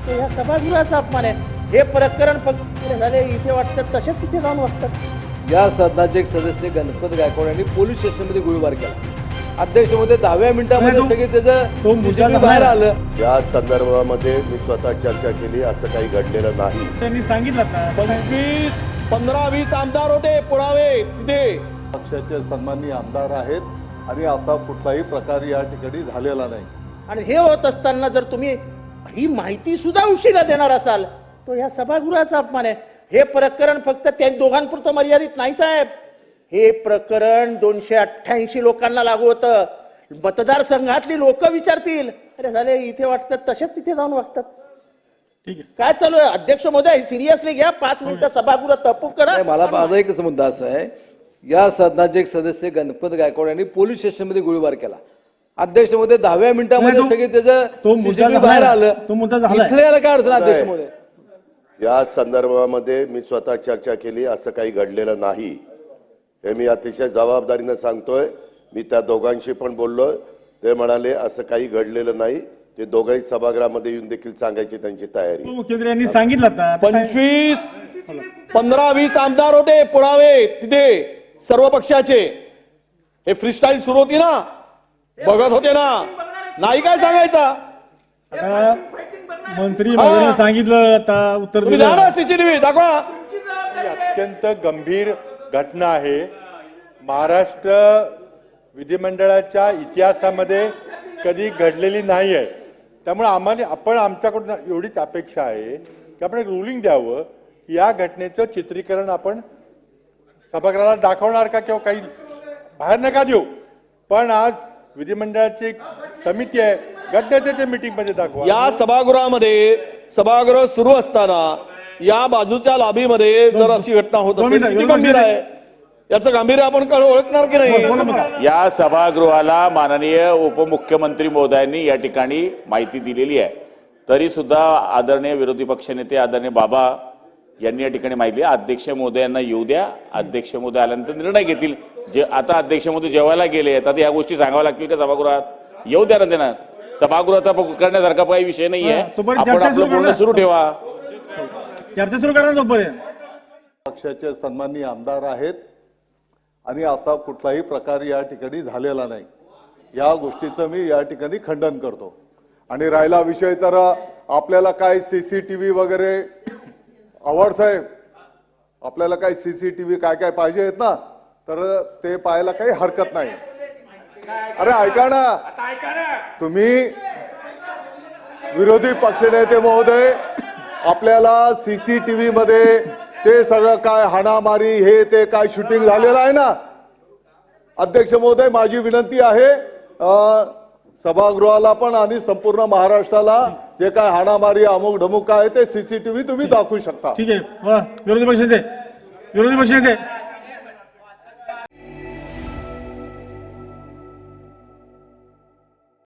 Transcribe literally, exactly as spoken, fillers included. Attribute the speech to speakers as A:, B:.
A: तो ह्या सभागृहाचा अपमान आहे. हे प्रकरण फक्त झाले इथे वाटतात तसेच तिथे जाऊन वाटतात.
B: या सदनाचे एक सदस्य गणपत गायकवाड यांनी पोलीस स्टेशनमध्ये गोळीबार केला. अध्यक्ष मध्ये दहाव्या मिनिटामध्ये सगळे त्याचं सीसीटीव्ही बाहेर आलं.
C: या संदर्भामध्ये मी स्वतः चर्चा केली, असं काही घडलेलं नाही.
D: त्यांनी सांगितलं ना
E: पंचवीस पंधरा वीस आमदार होते, पुरावे तिथे.
F: पक्षाचे सन्माननीय आमदार आहेत आणि असा कुठलाही प्रकार या ठिकाणी झालेला नाही.
A: आणि हे होत असताना जर तुम्ही ही माहिती सुद्धा उशिरा देणार असाल तो ह्या सभागृहाचा अपमान आहे. हे प्रकरण फक्त त्या दोघांपुरतं मर्यादित नाही साहेब. हे प्रकरण दोनशे अठ्ठ्याऐंशी लोकांना लागू होतं. मतदारसंघातली लोक विचारतील, अरे झाले इथे वाटतात तसेच तिथे जाऊन वागतात.
D: ठीक आहे.
A: काय चालू आहे अध्यक्ष महोदय? सिरियसली घ्या. पाच मिनिटं सभागृह तहकूब करा.
B: नाही, मला माझा एकच मुद्दा असा आहे, या सदनाचे एक सदस्य गणपत गायकवाड यांनी पोलीस स्टेशनमध्ये गोळीबार केला. अध्यक्ष मध्ये दहाव्या मिनिटामध्ये
D: तो-
B: सगळे
D: तो
B: त्याचं
D: मुद्दा
B: सीसीटीव्ही
D: झालाय.
B: बाहेर आलं.
D: तो मुद्दा झालाय.
B: इथले याला काय अडचण अध्यक्ष मध्ये?
C: या संदर्भामध्ये मी स्वतः चर्चा केली, असं काही घडलेलं नाही. हे मी अतिशय जबाबदारीनं सांगतोय. मी त्या दोघांशी पण बोललो, ते म्हणाले असं काही घडलेलं नाही. ते दोघंही सभागृहामध्ये येऊन देखील सांगायची त्यांची तयारी.
D: मुख्यमंत्री यांनी सांगितलं आता आता काय-
E: पंचवीस पंधरा वीस आमदार होते, पुरावे तिथे सर्व पक्षाचे. हे फ्रीस्टाईल सुरू होती ना, बघत होते ना, नाही काय सांगायचा.
D: आता मंत्री महोदयांनी सांगितलं, आता उत्तर
E: तुम्ही
D: दिलं.
E: द्या ना सीसीटीव्ही दाखवा.
G: अत्यंत गंभीर घटना आहे. महाराष्ट्र विधिमंडळाच्या इतिहासामध्ये कधी घडलेली नाही आहे. त्यामुळे आम्हाला आपण आमच्याकडून एवढीच अपेक्षा आहे की आपण एक रुलिंग द्यावं की या घटनेचं चित्रीकरण आपण सभागृहाला दाखवणार का किंवा काही बाहेर नका देऊ, पण आज विधिमंडळाची एक समिती आहे, घटनेच्या मीटिंगमध्ये दाखवा.
E: या सभागृहामध्ये सभागृह सुरू असताना या बाजूच्या लॉबीमध्ये जर अशी घटना होत
D: दोन
E: असेल
D: मिनिटं,
E: किती
D: दोन
E: गंभीर
D: मिनिटं.
E: आहे, याचं गांभीर्य आपण कळ- ओळखणार की नाही.
H: या सभागृहाला माननीय उपमुख्यमंत्री महोदयांनी या ठिकाणी माहिती दिलेली आहे. तरी सुद्धा आदरणीय विरोधी पक्षनेते आदरणीय बाबा यांनी या ठिकाणी माहिती आहे. अध्यक्ष महोदयांना येऊ द्या. अध्यक्ष महोदय आल्यानंतर निर्णय घेतील. जे आता अध्यक्ष महोदय जेवायला गेले, आता या गोष्टी सांगाव्या लागतील का सभागृहात? येऊ द्या ना त्यांना. सभागृहात करण्यासारखा काही विषय नाही आहे.
D: हा, तोपर्यंत
H: आपण
D: चर्चा
H: आपलं
D: सुरू
H: बोलणं
D: करा.
H: सुरू ठेवा.
D: चर्चा सुरू करा तोपर्यंत.
F: पक्षाचे सन्माननीय आमदार आहेत आणि असा कुठलाही प्रकार या ठिकाणी झालेला नाही. या गोष्टीचं मी या ठिकाणी खंडन करतो. आणि राहिला विषय तर आपल्याला काय सीसीटीव्ही वगैरे आवड साहेब, आपल्याला काय सीसीटीव्ही काय काय पाहिजे आहेत ना, तर ते पाहायला काही हरकत नाही. अरे ऐका ना, तुम्ही विरोधी पक्षनेते महोदय, आपल्याला सीसीटीव्ही मध्ये ते सगळं काय हाणामारी हे ते काय शूटिंग झालेलं आहे ना. अध्यक्ष महोदय, माझी विनंती आहे अं, सभागृहाला पण आणि संपूर्ण महाराष्ट्राला जे काय हाणामारी अमुक ढमुक आहे ते सीसीटीव्ही तुम्ही दाखवू शकता.
D: ठीक आहे. वा, विरोधी पक्षनेते विरोधी पक्षनेते